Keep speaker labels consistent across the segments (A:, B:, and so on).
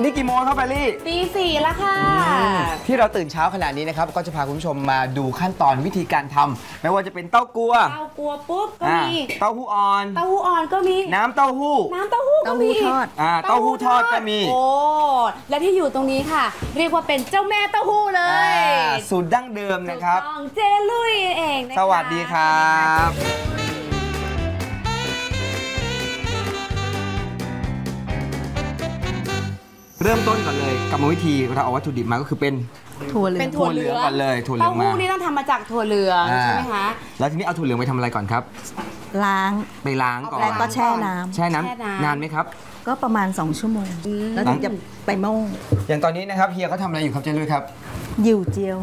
A: นี่กี่โมงครับแพรรี่
B: ตี 4แล้วค่ะ
A: ที่เราตื่นเช้าขนาดนี้นะครับก็จะพาคุณผู้ชมมาดูขั้นตอนวิธีการทำไม่ว่าจะเป็นเต้ากัว
B: ปุ๊บก็มี
A: เต้าหู้อ่อน
B: ก็มี
A: น้ำเต้าหู้
B: ก็มี
C: ทอด
A: เต้าหู้ทอดก็มี
B: โอ้และที่อยู่ตรงนี้ค่ะเรียกว่าเป็นเจ้าแม่เต้าหู้เลย
A: สูตรดั้งเดิมนะครับ
B: เจลุยเองนะคะ
A: สวัสดีครับเริ่มต้นก่อนเลยกรรมวิธีเราเอาวัตถุดิบมาก็คือเป็น
C: ถั่วเหลือง
A: ก่อนเลยถั่วเหลืองมา
B: เต้าหู้นี่ต้องทำมาจากถั่วเหลืองใช่ไหมคะ
A: แล้วทีนี้เอาถั่วเหลืองไปทำอะไรก่อนครับ
C: ไปล้างก่อน
A: แล้ว
C: ก็แช่น้
A: ำนานไหมครับ
C: ก็ประมาณ2 ชั่วโมงแล้วถึงจะไปโม่
A: อย่างตอนนี้นะครับเฮียเขาทำอะไรอยู่ครับเจลุยครับ
C: หยิ่วเจียว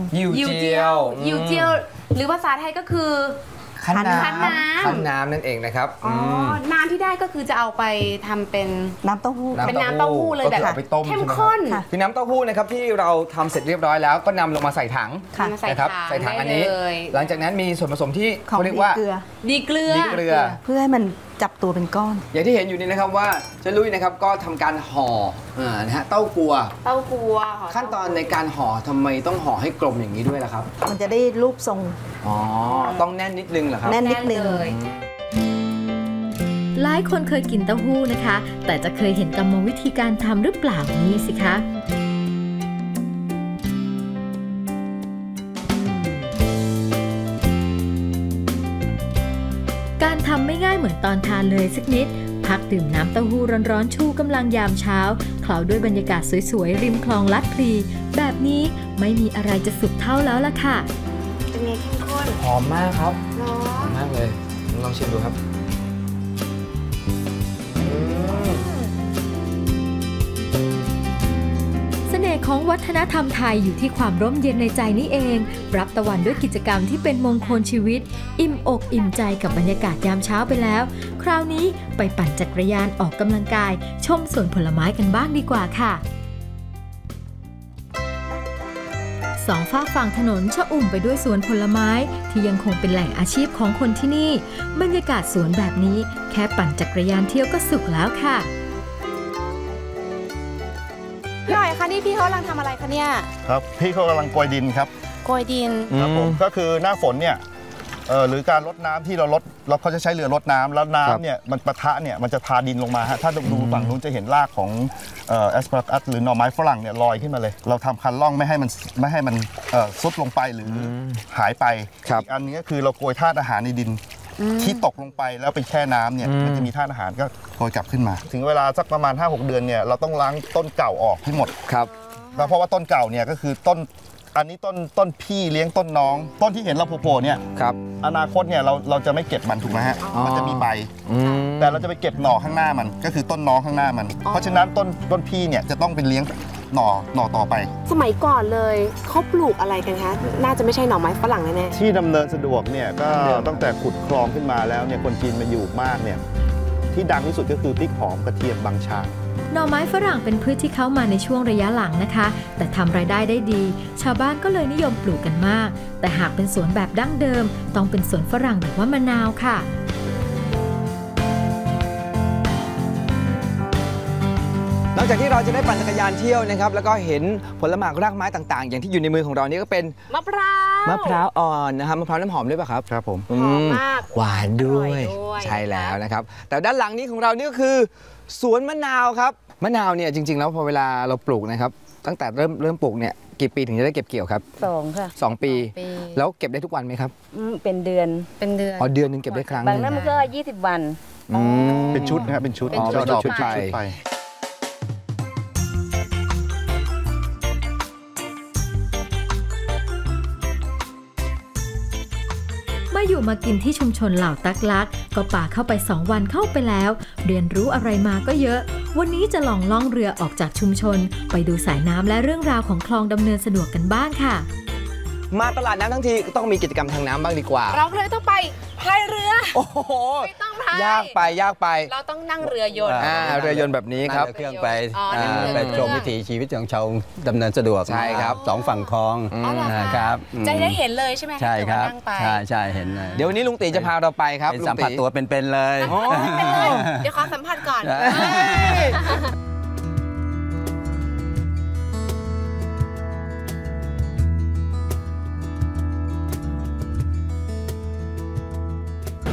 B: หรือภาษาไทยก็คือ
A: คั้นน้ำนั่นเองนะครับ
B: น้ำที่ได้ก็คือจะเอาไปทำเป็น
C: น้ำเต้าหู้
B: เลยแบบเข้มข้น
A: คือน้ำเต้าหู้นะครับที่เราทำเสร็จเรียบร้อยแล้วก็นำลงมาใส่ถังนะครับใส่ถังอันนี้หลังจากนั้นมีส่วนผสมที่เขาเรียกว่า
B: ดีเกลือ
C: เพื่อให้มันจับตัวเป็นก้อน
A: อย่างที่เห็นอยู่นี่นะครับว่าเจลุยนะครับก็ทำการห่อนะฮะเต้ากัวขั้นตอนในการห่อทำไมต้องห่อให้กลมอย่างนี้ด้วยล่ะครับ
C: มันจะได้รูปทรง
A: ต้องแน่นนิดนึงเหรอครับ
C: แน่นนิดนึง
D: หลายคนเคยกินเต้าหู้นะคะแต่จะเคยเห็นกรรมวิธีการทำหรือเปล่านี่สิคะการทำไม่ง่ายเหมือนตอนทานเลยสักนิดพักดื่มน้ำเต้าหู้ร้อนๆชูกำลังยามเช้าเคล้าด้วยบรรยากาศสวยๆริมคลองลัดพลีแบบนี้ไม่มีอะไรจะสุขเท่าแล้วล่ะค่ะ
B: เป็นไงเข้มข้น
A: หอมมากครับหอมมากเลยลองชิมดูครับ
D: เสน่ห์ของวัฒนธรรมไทยอยู่ที่ความร่มเย็นในใจนี่เองรับตะวันด้วยกิจกรรมที่เป็นมงคลชีวิตอิ่มอกอิ่มใจกับบรรยากาศยามเช้าไปแล้วคราวนี้ไปปั่นจักรยานออกกำลังกายชมสวนผลไม้กันบ้างดีกว่าค่ะสองฝากฝั่งถนนชอุ่มไปด้วยสวนผลไม้ที่ยังคงเป็นแหล่งอาชีพของคนที่นี่บรรยากาศสวนแบบนี้แค่ปั่นจักรยานเที่ยวก็สุขแล้วค่ะ
B: พี่หน่อยคะนี่พี่เขากำลังทำอะไรคะเนี่ย
E: ครับพี่เขากำลังโกยดินครับ
B: โกยดิน
E: ครับผมก็คือหน้าฝนเนี่ยหรือการรดน้ำที่เราเขาจะใช้เรือรดน้ำแล้วน้ำเนี่ยมันปะทะเนี่ยมันจะทาดินลงมาฮะถ้าดูฝั่งนู้นจะเห็นรากของแอสพารากัสหรือหน่อไม้ฝรั่งเนี่ยลอยขึ้นมาเลยเราทำคันล่องไม่ให้มันซุดลงไปหรือหายไปอีกอันนี้ก็คือเราโกยธาตุอาหารในดินที่ตกลงไปแล้วไปแช่น้ำเนี่ยมันจะมีธาตุอาหารก็โกยกลับขึ้นมาถึงเวลาสักประมาณ 5-6 เดือนเนี่ยเราต้องล้างต้นเก่าออกให้หมด
A: ครับ
E: เพราะว่าต้นเก่าเนี่ยก็คืออันนี้ต้นพี่เลี้ยงต้นน้องต้นที่เห็นเราโผล่เนี่ย
A: ครับ
E: อนาคตเนี่ยเราจะไม่เก็บมันถูกไหมฮะมันจะมีใบแต่เราจะไปเก็บหน่อข้างหน้ามันก็คือต้นน้องข้างหน้ามันเพราะฉะนั้นต้นพี่เนี่ยจะต้องเป็นเลี้ยงหน่อต่อไป
B: สมัยก่อนเลยเขาปลูกอะไรกันคะน่าจะไม่ใช่หน่อไม้ฝรั่งแน่
E: ๆที่ดำเนินสะดวกเนี่ยก็ตั้งแต่ขุดคลองขึ้นมาแล้วเนี่ยคนจีนมาอยู่มากเนี่ยที่ดังที่สุดก็คือพริกหอมกระเทียมบางชา
D: หน่อไม้ฝรั่งเป็นพืชที่เข้ามาในช่วงระยะหลังนะคะแต่ทำรายได้ได้ดีชาวบ้านก็เลยนิยมปลูกกันมากแต่หากเป็นสวนแบบดั้งเดิมต้องเป็นสวนฝรั่งหรือว่ามะนาวค่ะ
A: นอกจากที่เราจะได้ปั่นจักรยานเที่ยวนะครับแล้วก็เห็นผลไม้รากไม้ต่างๆอย่างที่อยู่ในมือของเรานี่ก็เป็น
B: มะพร้าว
A: อ่อนนะครับมะพร้าวน้ำหอมด้วยป่ะครับ
E: ครับผม
B: หอมมาก
A: หวานด้วยใช่แล้วนะครับแต่ด้านหลังนี้ของเรานี่ก็คือสวนมะนาวครับมะนาวเนี่ยจริงๆแล้วพอเวลาเราปลูกนะครับตั้งแต่เริ่มปลูกเนี่ยกี่ปีถึงจะได้เก็บเกี่ยวครับ
C: 2 ค่ะ
A: 2 ปีแล้วเก็บได้ทุกวันไหมครับ
C: เป็นเดือน
A: อ๋อเดือนนึงเก็บได้ครั้ง
C: บางนั้นมันก็20 วัน
E: เป็นชุดนะครับเป็นชุด
A: ไป
D: มาอยู่มากินที่ชุมชนเหล่าตักลักก็ป่าเข้าไป2 วันเข้าไปแล้วเรียนรู้อะไรมาก็เยอะวันนี้จะลองล่องเรือออกจากชุมชนไปดูสายน้ำและเรื่องราวของคลองดำเนินสะดวกกันบ้างค่ะ
A: มาตลาดน้ำทั้งทีก็ต้องมีกิจกรรมทางน้ำบ้างดีกว่า
B: เราเลยต้องไปพายเรือ
A: โอ้โห
B: ไม่ต้องพาย
A: ยากไป
B: เราต้องนั่งเรือยนต์
A: เรือยนต์แบบนี้ครับ
F: เครื่องไปชมวิถีชีวิตของชาวดำเนินสะดวก
A: ใช่ครับ
F: 2 ฝั่งคลอง
B: นะครับจะได้เห็นเลยใช่ไหม
F: ใช่ครับใช่เห็นเลย
A: เดี๋ยววันนี้ลุงตีจะพาเราไปครับ
F: สัมผัสตัวเป็นๆเลย
B: เดี๋ยวขอสัมผัสก่อน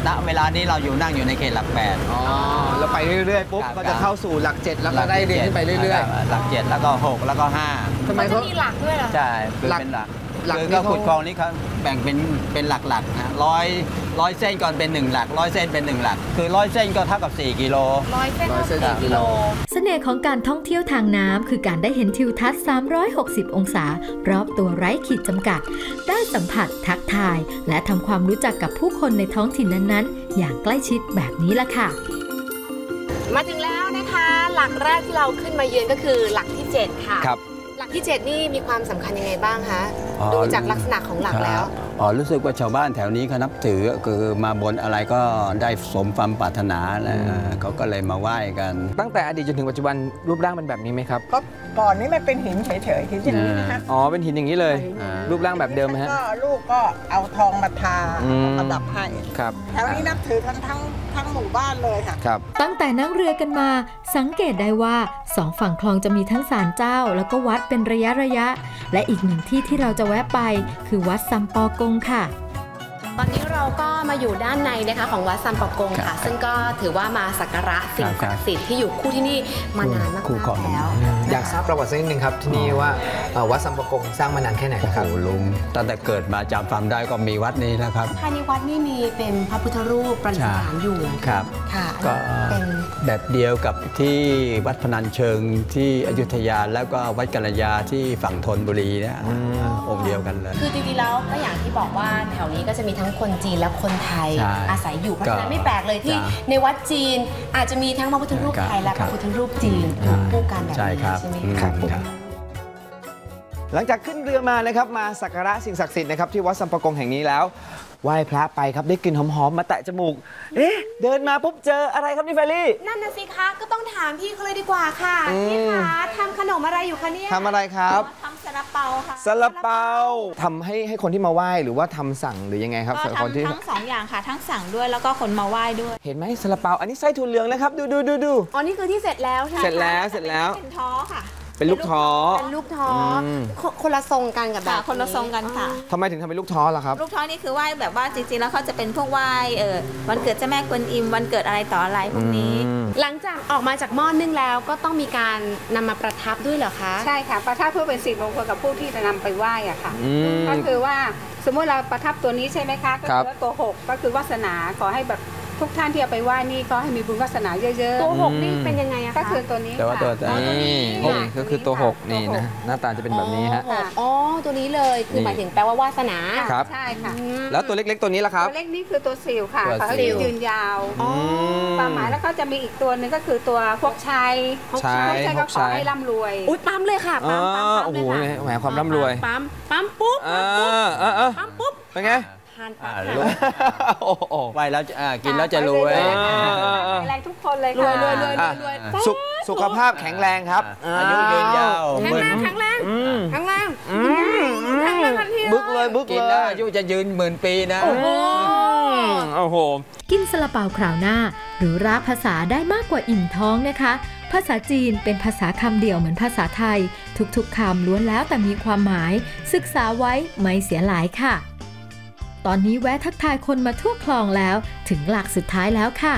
F: ณเวลานี้เรานั่งอยู่ในเขตหลัก 8
A: อ๋อแล้วไปเรื่อยๆปุ๊บ
F: ครับ
A: ก็จะเข้าสู่หลัก 7 แล้วก็ได้เรียนขึ้นไปเรื่อย
F: หลัก 7 แล้วก็ 6 แล้วก็ 5
A: ๆทำไม
B: มันจะ
A: เขา
B: มีหลักด้วยเหรอ
F: ใช่คือ
A: หลัก
F: เป็นหลัก
A: หลัก
F: คือ
A: นี่
F: ก็
A: เขา
F: ขุดคลองนี้เขาแบ่งเป็นหลักๆนะร้อยเส้นก่อนเป็น1หลัก100 เส้นเป็น1หลักคือ100 เส้นก็เท่ากับ4 กิโล
B: 100 เส้น
A: 100 เส้น
B: ต่อ
A: กิโล
D: เสน่ห์ของการท่องเที่ยวทางน้ำคือการได้เห็นทิวทัศน์ 360 องศารอบตัวไร้ขีดจำกัด ได้สัมผัสทักทาย และทำความรู้จักกับผู้คนในท้องถิ่นนั้นๆ อย่างใกล้ชิดแบบนี้ล่ะค่ะ
B: มาถึงแล้วนะคะ หลักแรกที่เราขึ้นมาเยือนก็คือหลักที่ 7 ค่ะ
A: ครับ
B: หลักที่ 7 นี่มีความสำคัญยังไงบ้างคะ
F: อ๋อ
B: ดูจากลักษณะของหลักแล้ว
F: อ๋อรู้สึกว่าชาวบ้านแถวนี้เขานับถือคือมาบนอะไรก็ได้สมความปรารถนาแล้วเขาก็เลยมาไหว้กัน
A: ตั้งแต่อดีตจนถึงปัจจุบันรูปร่างเป็นแบบนี้ไหมครับ
G: ก็ก่อนนี้มันเป็นหินเฉยๆหินอย่างนี้นะคะ
A: อ๋อเป็นหินอย่างนี้เลย
F: อ่า
A: รูปร่างแบบเดิมไหมฮะ
G: ก็ลูกก็เอาทองมาทา
A: อืม
G: ประดับให้
A: ครับ
G: แถวนี้นับถือกันทั้งหมู่บ้านเลยค่ะ
A: ครับ
D: ตั้งแต่นั่งเรือกันมาสังเกตได้ว่าสองฝั่งคลองจะมีทั้งศาลเจ้า แล้วก็วัดเป็นระยะและอีกหนึ่งที่ที่เราจะแวะไปคือวัดซัมปอกงค่ะ
B: ตอนนี้เราก็มาอยู่ด้านในนะคะของวัดซัมปอกงค่ะ ซึ่งก็ถือว่ามาสักการะสิ่งศักดิ์สิทธิ์ที่อยู่คู่ที่นี่มานานมาก
F: คู่ครอง
B: ๆแล้ว
A: อยากทราบประวัติสักนิดนึงครับที่นี่ว่าวัดซัมปะกงสร้างมานานแค่ไหน
F: โอ้
A: นะ
F: โห
A: ครับ
F: ลุงตั้งแต่เกิดมาจำความได้ก็มีวัดนี้นะครับ
B: ภายในวัดนี่มีเป็นพระพุทธรูปประดิษฐานอยู่
F: ครับ
B: ค่ะ
F: ก็
B: เป็น
F: แบบเดียวกับที่วัดพนัญเชิงที่อยุธยาแล้วก็วัดกัลยาที่ฝั่งธนบุรีเนี่ยองค์เดียวกันเลย
B: คือจริงๆแล้วก็อย่างที่บอกว่าแถวนี้ก็จะมีทั้งคนจีนและคนไทย
F: ใช่
B: อาศัยอยู่เพราะฉะนั้น
F: ก็
B: ไม่แปลกเลยที่
F: จ้ะ
B: ในวัดจีนอาจจะมีทั้งพระพุทธรูปไทยและพระพุทธรูปจีนอยู่คู่กันแบบ
F: ใช่
B: นี้
F: ครับ
B: ใช่ไหม
F: อืม
B: คะ
F: ครับ
A: หลังจากขึ้นเรือมานะครับมาสักการะสิ่งศักดิ์สิทธิ์นะครับที่วัดซัมปะกงแห่งนี้แล้วไหว้พระไปครับได้กลิ่นหอมๆมาแตะจมูกเดินมาปุ๊บเจออะไรครับนี่แฟรี่
B: นั่นน่ะสิคะก็ต้องถามพี่เขาเลยดีกว่าค่ะพี่คะทำขนมอะไรอยู่คะเนี่ย
A: ทำอะไรครับ
G: ทำซาลาเปาค่ะ
A: ซาลาเปาทำให้คนที่มาไหว้หรือว่าทำสั่งหรือยังไงครับ
H: ก็
A: สำหรับคนที่
H: ทำทั้งสองอย่างค่ะ ทั้งสั่งด้วยแล้วก็คนมาไหว้ด้วย
A: เห็นไหมซาลาเปาอันนี้ไส้ถั่วเหลืองนะครับดู
B: อ๋อนี่คือที่เสร็จแล้วใช่ไหม
A: เสร็จแล้ว
H: เป็นท้อค่ะ
A: เป็นลูกท้อ
B: เป็นลูกท้ออ
A: ม
B: คนละทรงกันกับแบ
H: ค่ะ
B: บ
H: คนละทรงกันค่ะ
A: ทำไมถึงทำเป็นลูกท้อล่ะครับ
H: ลูกท้อนี่คือไหว้แบบว่าจริงๆแล้วเขาจะเป็นพวกไหว้วันเกิดเจ้าแม่กวนอิมวันเกิดอะไรต่ออะไรพวกนี้
B: หลังจากออกมาจากหม้อนึ่งแล้วก็ต้องมีการนำมาประทับด้วยเหรอคะ
I: ใช่ค่ะประทับเพื่อเป็นสิริมงคลกับผู้ที่จะนำไปไหว้อะค่ะ
A: อืม
I: ก็คือว่าสมมุติเราประทับตัวนี้ใช่ไหมคะก็
A: ครับ
I: คือว่าตัว 6 ก็คือวาสนาขอให้แบบทุกท่านที่เอาไปไหว้นี่ก็ให้มีบุญวาสนาเยอะๆ
B: ตัวหกนี่เป็นยังไงอะคะ
I: ก็คือตัวนี้
F: แต่ว่า
I: ค่ะ
F: ตัว
A: นี่ก็คือตัว6นี่นะหน้าตาจะเป็นแบบนี้ฮะ
B: อ๋อตัวนี้เลยคือหมายถึงแปลว่าวาสนา
A: ครับ
I: ใช่ค่ะ
A: แล้วตัวเล็กๆตัวนี้ล่ะครับ
I: ตัวเล็กนี่คือตัวสิวค่ะ
F: ตัว
I: เขา
F: สิว
I: ยืนยาว
A: อืม
I: ความหมายแล้วก็จะมีอีกตัวหนึงก็คือตัวพวกชัย
A: ชัย
I: พวกชัยก็ข
A: ชั
I: อย ให้ร่ำรวย
B: อุ้ยปั๊มเลยค่ะปั๊มปั๊มปั๊ม
A: โอ้โห
B: เลยค่ะ
A: แหมความร่ำรวย
B: ปั๊มปุ๊บ ปั๊มปุ๊บ
A: เป็นไง
B: ทานปั๊บ
F: ลูก
A: โอ้โห
F: ไหว้แล้วกินแล้วจะรวย
I: แข็
A: อ่า
I: งแรงทุกคนเลย
B: รวย
I: ค่ะ
B: รวย
A: อ่ะสุขภาพแข็งแรงครับ
F: อายุยืนยาว
B: แข็ง
F: หมื่
B: แร
F: น
B: งแข็งแรง
A: อืม
B: แข็งแรงแข็งแรงทันที
A: บึกเลยบึก
F: กิน
A: เล
F: แล้ว
A: ย
F: อายุจะยืนหมื่นปีนะ
B: โอ้โห
A: โอ้โห
D: กินซาลาเปาคราวหน้า หรือราภาษาได้มากกว่าอิ่มท้องนะคะ ภาษาจีนเป็นภาษาคำเดียวเหมือนภาษาไทย ทุกๆคำล้วนแล้วแต่มีความหมาย ศึกษาไว้ไม่เสียหลายค่ะ ตอนนี้แวะทักทายคนมาทั่วคลองแล้วถึงหลักสุดท้ายแล้วค่ะ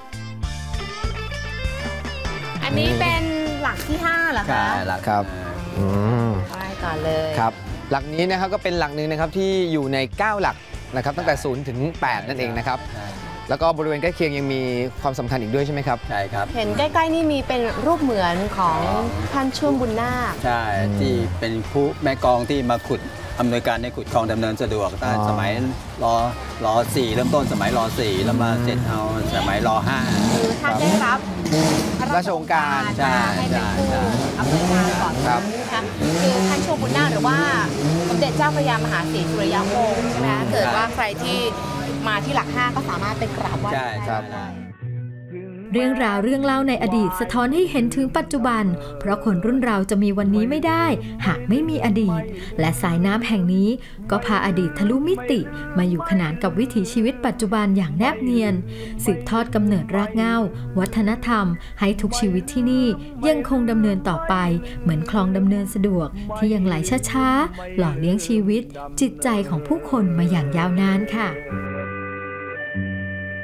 B: อันนี้เป็นหลักที่ 5เหรอ
F: ใช่
B: คะ
F: หลัก
A: ครับอืม
B: ไปก่อนเลย
A: ครับหลักนี้นะครับก็เป็นหลักหนึ่งนะครับที่อยู่ใน 9 หลักนะครับตั้งแต่0ถึง8นั่นเองนะครับแล้วก็บริเวณใกล้เคียงยังมีความสำคัญอีกด้วยใช่ไหมครับ
F: ใช่ครับ
B: เห็นใกล้ๆนี่มีเป็นรูปเหมือนของท่านช่วงบุญนาค
F: ใช่ที่เป็นผู้แม่กองที่มาขุดอำนวยการในขุดคลองดำเนินสะดวกตั้งแต่สมัยรอ4เริ่มต้นสมัยรอ4แล้วมาเสร็จเอาสมัยรอ5
B: คือท่านได้รับ
A: ราชองค์การ
F: ใช่
B: ให้เป็นผู้
F: ใช่
B: อำนวยการก่อน
A: ครับ
B: นะคะคือท่านโชบุญนาคหรือว่าสมเด็จเจ้าพระยามหาศรีสุริยวงศ์ใช่ไหมคะเกิดว่าใครที่มาที่หลัก 5 ก็สามารถไปกราบไหว้
F: ใช่
A: ครับ
B: ได้
D: เรื่องราวเรื่องเล่าในอดีตสะท้อนให้เห็นถึงปัจจุบัน เพราะคนรุ่นเราจะมีวันนี้ไม่ได้ หากไม่มีอดีต และสายน้ำแห่งนี้ก็พาอดีตทะลุมิติ มาอยู่ขนานกับวิถีชีวิตปัจจุบันอย่างแนบเนียน สืบทอดกำเนิดรากเหง้าวัฒนธรรม ให้ทุกชีวิตที่นี่ยังคงดำเนินต่อไป เหมือนคลองดำเนินสะดวก ที่ยังไหลช้าๆหล่อเลี้ยงชีวิต จิตใจของผู้คนมาอย่างยาวนานค่ะ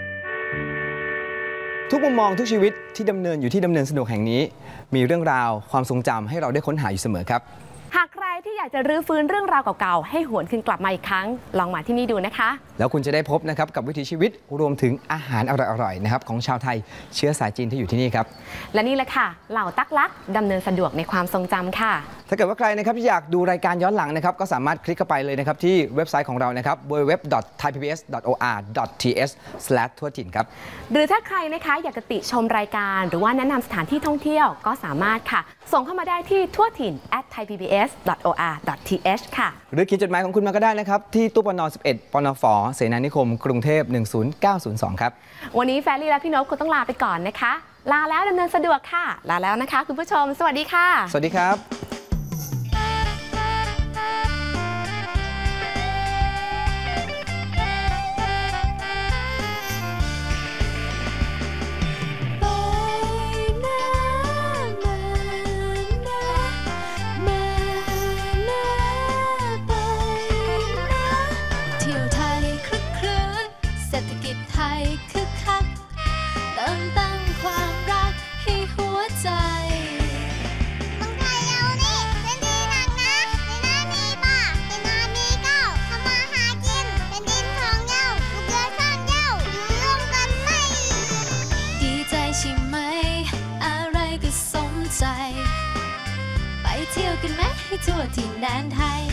A: ทุกมุมมองทุกชีวิตที่ดำเนินอยู่ที่ดำเนินสะดวกแห่งนี้มีเรื่องราวความทรงจำให้เราได้ค้นหาอยู่เสมอครับ
B: หากใครที่อยากจะรื้อฟื้นเรื่องราวเก่าๆให้หวนคืนกลับมาอีกครั้งลองมาที่นี่ดูนะคะ
A: แล้วคุณจะได้พบนะครับกับวิถีชีวิตรวมถึงอาหารอร่อยๆนะครับของชาวไทยเชื้อสายจีนที่อยู่ที่นี่ครับ
B: และนี่แหละค่ะเหล่าตักลักดำเนินสะดวกในความทรงจำค่ะ
A: ถ้าเกิดว่าใครนะครับที่อยากดูรายการย้อนหลังนะครับก็สามารถคลิกเข้าไปเลยนะครับที่เว็บไซต์ของเรานะครับ www.thaipbs.or.th/ทั่วถิ่นครับ
B: หรือถ้าใครนะคะอยากจะติชมรายการหรือว่าแนะนำสถานที่ท่องเที่ยวก็สามารถค่ะส่งเข้ามาได้ที่ทั่วถิ่น @thaipbs.or.th ค่ะ
A: หรือเขียนจดหมายของคุณมาก็ได้นะครับที่ตู้ปน11 ปนฝ.เสนานิคมกรุงเทพ10902ครับ
B: วันนี้แฟรี่และพี่นพคงต้องลาไปก่อนนะคะลาแล้วดำเนินสะดวกค่ะลาแล้วนะคะคุณผู้ชมสวัสดีค่ะ
A: สวัสดีครับ
D: ไปเที่ยวกันไหมให้ทั่วถิ่นแดนไทย